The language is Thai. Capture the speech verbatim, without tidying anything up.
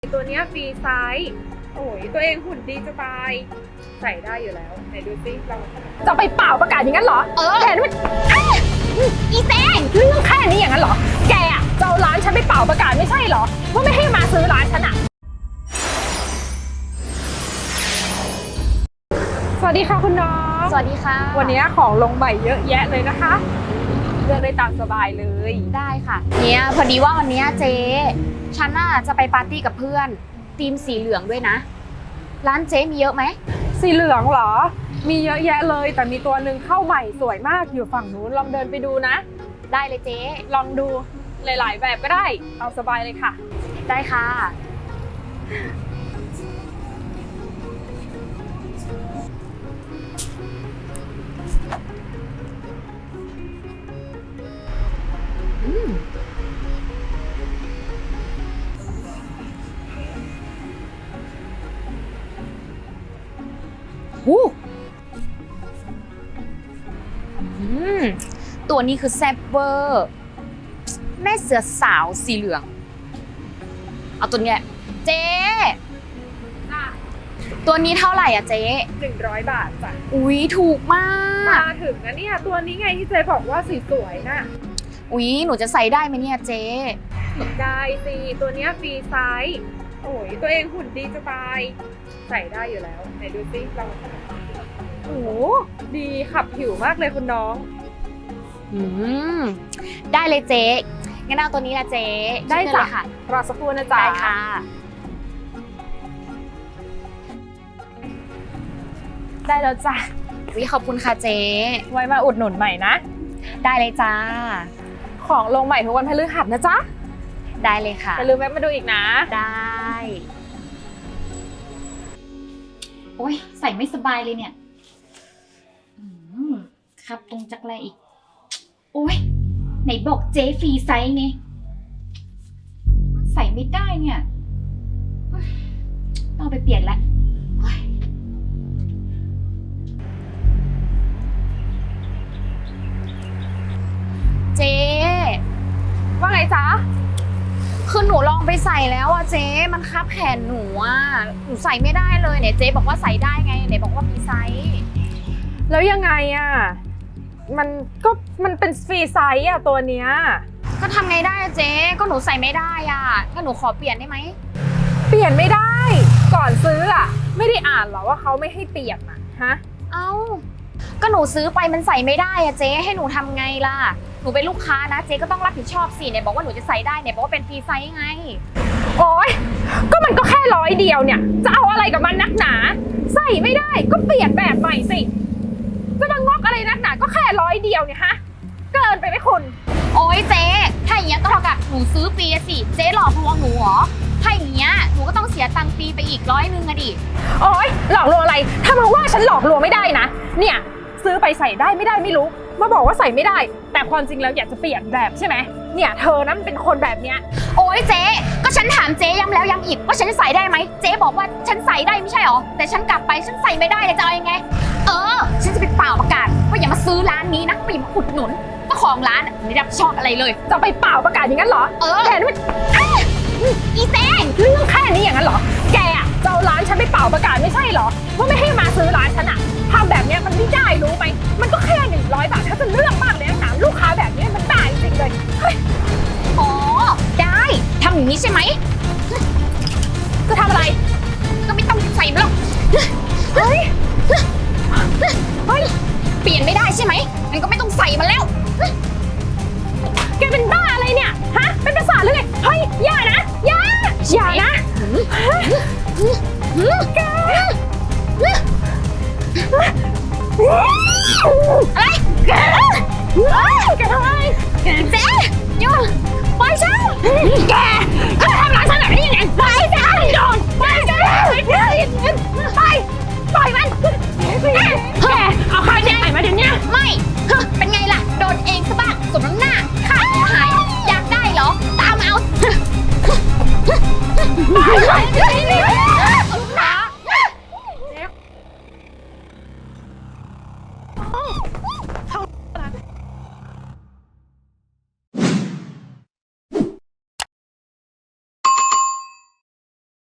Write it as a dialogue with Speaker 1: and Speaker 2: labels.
Speaker 1: ตัวเนี้ยฟรีไซส์โอ้ยตัวเองหุ่นดีจะตายใส่ได้อยู่แล้วไหนดูซิเราจะไปเป่าประกาศอย่างนั้นเหรอเออแทนว่าอีเต้เรื่องแค่นี้อย่างนั้นเหรอแกอะจะเอาร้านฉันไปเป่าประกาศไม่ใช่เหรอว่าไม่ให้มาซื้อร้านฉันอะสวัสดีค่ะคุณน้อง
Speaker 2: สวัสดีค่ะ
Speaker 1: วันนี้ของลงใหม่เยอะแยะเลยนะคะเลือกได้ตามสบายเลย
Speaker 2: ได้ค่ะเนี่ยพอดีว่าวันนี้เจ๊ฉันน่ะจะไปปาร์ตี้กับเพื่อนธีมสีเหลืองด้วยนะร้านเจ๊มีเยอะไหม
Speaker 1: สีเหลืองเหรอมีเยอะแยะเลยแต่มีตัวหนึ่งเข้าใหม่สวยมากอยู่ฝั่งนู้นลองเดินไปดูนะ
Speaker 2: ได้เลยเจ๊
Speaker 1: ลองดูหลายๆแบบก็ได้เอาสบายเลยค่ะ
Speaker 2: ได้ค่ะอืมหูอืมตัวนี้คือแซ่บเวอร์แม่เสือสาวสีเหลืองเอาตัวเนี้ยเจ๊ตัวนี้เท่าไหร่อ่ะเจ๊
Speaker 1: หนึ่งร้อยบาทจ้ะ
Speaker 2: อุ๊ยถูกมาก
Speaker 1: มาถึงนะเนี่ยตัวนี้ไงที่เจ๊บอกว่าสีสวยน่ะ
Speaker 2: อุ๊ยหนูจะใส่ได้ไหมเนี่ยเจ๊
Speaker 1: ได้สิตัวเนี้ยฟรีไซส์โอ้ยตัวเองหุ่นดีจะตายใส่ได้อยู่แล้วไหนดูซิเราโอ้โหดีขับผิวมากเลยคุณน้อง
Speaker 2: อืมได้เลยเจ๊งั้นเอาตัวนี้นะเจ๊
Speaker 1: ได้จ้ะ
Speaker 2: ค่ะ
Speaker 1: รอสักครู่นะจ๊ะ
Speaker 2: ได้ค่ะ
Speaker 1: ได้แล้วจ้ะ
Speaker 2: วิขอบคุณค่ะเจ๊
Speaker 1: ไว้มาอุดหนุนใหม่นะ
Speaker 2: ได้เลยจ้า
Speaker 1: ของลงใหม่ทุกวันพฤหัสนะจ๊ะ
Speaker 2: ได้เลยค่ะ
Speaker 1: อย่าลืมแวะมาดูอีกนะ
Speaker 2: ได้โอ๊ยใส่ไม่สบายเลยเนี่ยครับตรงจักรแลอีกโอ๊ยไหนบอกเจ๊ฟรีไซส์ไงใส่ไม่ได้เนี่ยต้องไปเปลี่ยนละเจ๊
Speaker 1: ว่าไงจ๊ะ
Speaker 2: คือหนูลองไปใส่แล้วอะเจ๊มันคับแขนหนูอะหนูใส่ไม่ได้เลยเนี่ยเจ๊บอกว่าใส่ได้ไงไหนบอกว่าฟรีไซส์
Speaker 1: แล้วยังไงอะมันก็มันเป็นฟรีไซส์อะตัวเนี้ย
Speaker 2: ก็ทำไงได้อะเจ๊ก็หนูใส่ไม่ได้อะก็หนูขอเปลี่ยนได้ไหม
Speaker 1: เปลี่ยนไม่ได้ก่อนซื้ออะไม่ได้อ่านหรอว่าเขาไม่ให้เปลี่ยนอะฮะ
Speaker 2: เอ้าก็หนูซื้อไปมันใส่ไม่ได้อะเจ๊ให้หนูทำไงล่ะหนูเป็นลูกค้านะเจ๊ก็ต้องรับผิดชอบสิเนี่ยบอกว่าหนูจะใส่ได้เนี่ยบอกว่าเป็นฟรีไซส์ไง
Speaker 1: โอ๊ยก็มันก็แค่ร้อยเดียวเนี่ยจะเอาอะไรกับมันนักหนาใส่ไม่ได้ก็เปลี่ยนแบบใหม่สิจะมางอกอะไรนักหนาก็แค่ร้อยเดียวเนี่ยฮะเกินไปไหมคุณ
Speaker 2: โอ๊ยเจ๊ถ้าอย่างเงี้ยก็เท่ากับหนูซื้อฟรีสิเจ๊หลอกลวงหนูเหรอถ้าอย่างเงี้ยหนูก็ต้องเสียตังค์ฟรีไปอีกร้อยนึงอะดิ
Speaker 1: โอ๊ยหลอกลวงอะไรถ้ามาว่าฉันหลอกลวงไม่ได้นะเนี่ยซื้อไปใส่ได้ไม่ได้ไม่รู้มาบอกว่าใส่ไม่ได้แต่ความจริงแล้วอยากจะเปลี่ยนแบบใช่ไหมเนี่ยเธอนั้นเป็นคนแบบเนี้ย
Speaker 2: โอ๊ยเจ๊ก็ฉันถามเจ๊ย้ำแล้วย้ำอีกว่าฉันจะใส่ได้ไหมเจ๊บอกว่าฉันใส่ได้ไม่ใช่หรอแต่ฉันกลับไปฉันใส่ไม่ได้เลยจะเอายังไงเออฉันจะไปเป่าประกาศว่าอย่ามาซื้อร้านนี้นะว่าอย่ามาอุดหนุนเจ้าของร้านไม่รับผิดชอบอะไรเลย
Speaker 1: จะไปเป่าประกาศอย่างนั้นเหรอ
Speaker 2: เออ
Speaker 1: แทนว่า
Speaker 2: อีเต้
Speaker 1: เรื่องแค่นี้อย่างนั้นเหรอแกอะจะเอาร้านฉันไปเป่าประกาศไม่ใช่เหรอว่าไม่ให้มาซื้อร้านฉันอะทำแบบนี้มันไม่ได้รู้ไหมมันก็แค่หนึ่งร้อยบาทถ้าจะเลือกมากเลยนะลูกค้าแบบนี้มันได้จริงเลย
Speaker 2: อ๋อได้ทำอย่างนี้ใช่ไหม
Speaker 1: จะทำอะไร
Speaker 2: ก็ไม่ต้องใส่หรอก
Speaker 1: เฮ้ยเฮ้ย
Speaker 2: เปลี่ยนไม่ได้ใช่ไหมงั้นก็ไม่ต้องใส่มาแล้ว
Speaker 1: แกเป็นบ้าอะไรเนี่ยฮะเป็นประสาทหรือไงเฮ้ยอย่านะอย่าอย่านะแก
Speaker 2: อะไรแก
Speaker 1: แกทำไม
Speaker 2: เจ๊หยุดปล่อยฉัน
Speaker 1: แกเธอทำร้ายฉันแบบนี้ยังไงไป